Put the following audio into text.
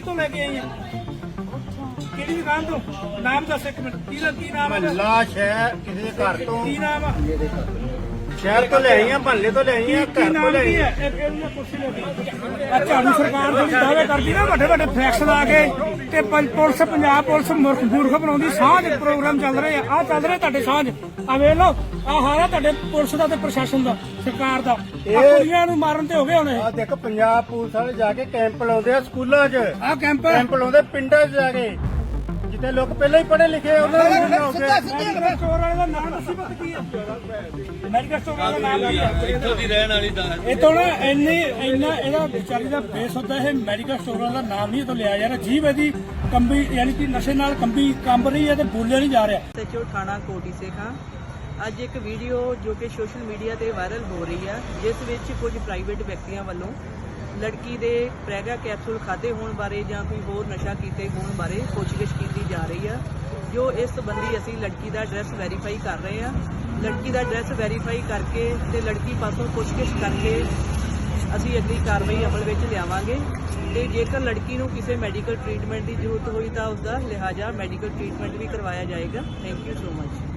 ਤੋਂ ਲੈ ਕੇ ਆਈ ਹੈ? ਕਿਹੜੀ ਦੁਕਾਨ ਤੋਂ? ਨਾਮ ਦੱਸ ਇੱਕ ਮਿੰਟ, ਕੀ ਨਾਮ ਹੈ? ਮਹੱਲਾ ਸ਼ਹਿਰ ਕਿਸੇ ਘਰ ਤੋਂ, ਕੀ ਨਾਮ ਆ? ਸ਼ਹਿਰ ਤੋਂ ਲੈ ਆਈਆਂ, ਮਹੱਲੇ ਤੋਂ ਲੈ ਆਈਆਂ, ਕੀ ਘਰ ਤੋਂ ਨਾਮ ਲੈ ਕੀ ਆਈਆਂ। ਹੈ? ਇਹ ਕੁਰਸੀ ਲੈ ਝਾੜੂ ਸਰਕਾਰ ਜਿਹੜੀ ਦਾਅਵੇ ਕਰਦੀ ਨਾ ਵੱਡੇ ਵੱਡੇ ਫਲੈਕਸ ਲਾ ਕੇ ਤੇ ਪੁਲਿਸ, ਪੰਜਾਬ ਪੁਲਿਸ ਮੂਰਖ ਬਣਾਉਂਦੀ। ਸਾਂਝ ਪ੍ਰੋਗਰਾਮ ਚੱਲ ਰਹੇ ਆ ਚੱਲ ਰਹੇ ਤੁਹਾਡੇ ਸਾਂਝ। ਆ ਵੇਖ ਲਓ, ਆ ਹਾਰਾ ਤੁਹਾਡੇ ਪੁਲਿਸ ਦਾ ਤੇ ਪ੍ਰਸ਼ਾਸਨ ਦਾ, ਸਰਕਾਰ ਦਾ। ਕੁੜੀਆਂ ਨੂੰ ਮਾਰਨ ਤੇ ਹੋ ਗਏ ਹੁਣ। ਆ ਦੇਖ, ਪੰਜਾਬ ਪੁਲਿਸ ਵਾਲੇ ਜਾ ਕੇ ਕੈਂਪ ਲਾਉਂਦੇ ਆ ਸਕੂਲਾਂ 'ਚ, ਆ ਕੈਂਪ ਲਾਉਂਦੇ ਪਿੰਡਾਂ 'ਚ ਜਾ ਕੇ, ਜਿੱਥੇ ਲੋਕ ਪਹਿਲਾਂ ਹੀ ਪੜ੍ਹੇ ਲਿਖੇ ਉਹਨਾਂ ਨੂੰ ਮੈਡੀਕਲ ਸਟੋਰ ਵਾਲੇ ਦਾ ਨਾਮ ਦੱਸੀ ਪਤਾ ਕੀ ਹੈ? ਮੈਡੀਕਲ ਸਟੋਰ ਵਾਲੇ ਦਾ ਨਾਮ ਕੀ ਹੈ? ਇੱਥੋਂ ਦੀ ਰਹਿਣ ਵਾਲੀ ਦਾ ਇਹ ਤੋਂ ਨਾ ਇੰਨਾ ਇਹਦਾ ਵਿਚਾਰੀ ਦਾ ਬੇਸ ਹੁੰਦਾ। ਇਹ ਮੈਡੀਕਲ ਸਟੋਰਾਂ ਦਾ ਨਾਮ ਨਹੀਂ ਇਹ ਤੋਂ ਲਿਆ ਜਾ ਰਿਹਾ। ਜੀਭ ਇਹਦੀ ਕੰਬੀ, ਯਾਨੀ ਕਿ ਨਸ਼ੇ ਨਾਲ ਕੰਬ ਰਹੀ ਹੈ ਤੇ ਬੋਲਿਆ ਨਹੀਂ ਜਾ ਰਿਹਾ। ਸਚੋ ਥਾਣਾ ਕੋਟੀ ਸੇ ਖਾਂ ਅੱਜ ਇੱਕ ਵੀਡੀਓ ਜੋ ਕਿ ਸੋਸ਼ਲ ਮੀਡੀਆ ਤੇ ਵਾਇਰਲ ਹੋ ਰਹੀ ਹੈ, ਜਿਸ ਵਿੱਚ ਕੁਝ ਪ੍ਰਾਈਵੇਟ ਵਿਅਕਤੀਆਂ ਵੱਲੋਂ ਲੜਕੀ ਦੇ ਪ੍ਰੈਗਾ ਕੈਪਸੂਲ ਖਾਦੇ ਹੋਣ ਬਾਰੇ ਜਾਂ ਕੋਈ ਹੋਰ ਨਸ਼ਾ ਕੀਤੇ ਹੋਣ ਬਾਰੇ ਪੁੱਛਗਿੱਛ ਕੀਤੀ ਜਾ ਰਹੀ ਹੈ। ਜੋ ਇਸ ਸੰਬੰਧੀ ਅਸੀਂ ਲੜਕੀ ਦਾ ਐਡਰੈਸ ਵੈਰੀਫਾਈ ਕਰ ਰਹੇ ਹਾਂ। ਲੜਕੀ ਦਾ ਐਡਰੈਸ ਵੈਰੀਫਾਈ ਕਰਕੇ ਤੇ ਲੜਕੀ ਪਾਸੋਂ ਪੁੱਛਗਿੱਛ ਕਰਕੇ ਅਸੀਂ ਅਗਲੀ ਕਾਰਵਾਈ ਅਮਲ ਵਿੱਚ ਲਿਆਵਾਂਗੇ। ਤੇ ਜੇਕਰ ਲੜਕੀ ਨੂੰ ਕਿਸੇ ਮੈਡੀਕਲ ਟ੍ਰੀਟਮੈਂਟ ਦੀ ਜ਼ਰੂਰਤ ਹੋਈ ਤਾਂ ਉਸ ਦਾ ਲਿਹਾਜ਼ਾ ਮੈਡੀਕਲ ਟ੍ਰੀਟਮੈਂਟ ਵੀ ਕਰਵਾਇਆ ਜਾਏਗਾ। Thank you so much.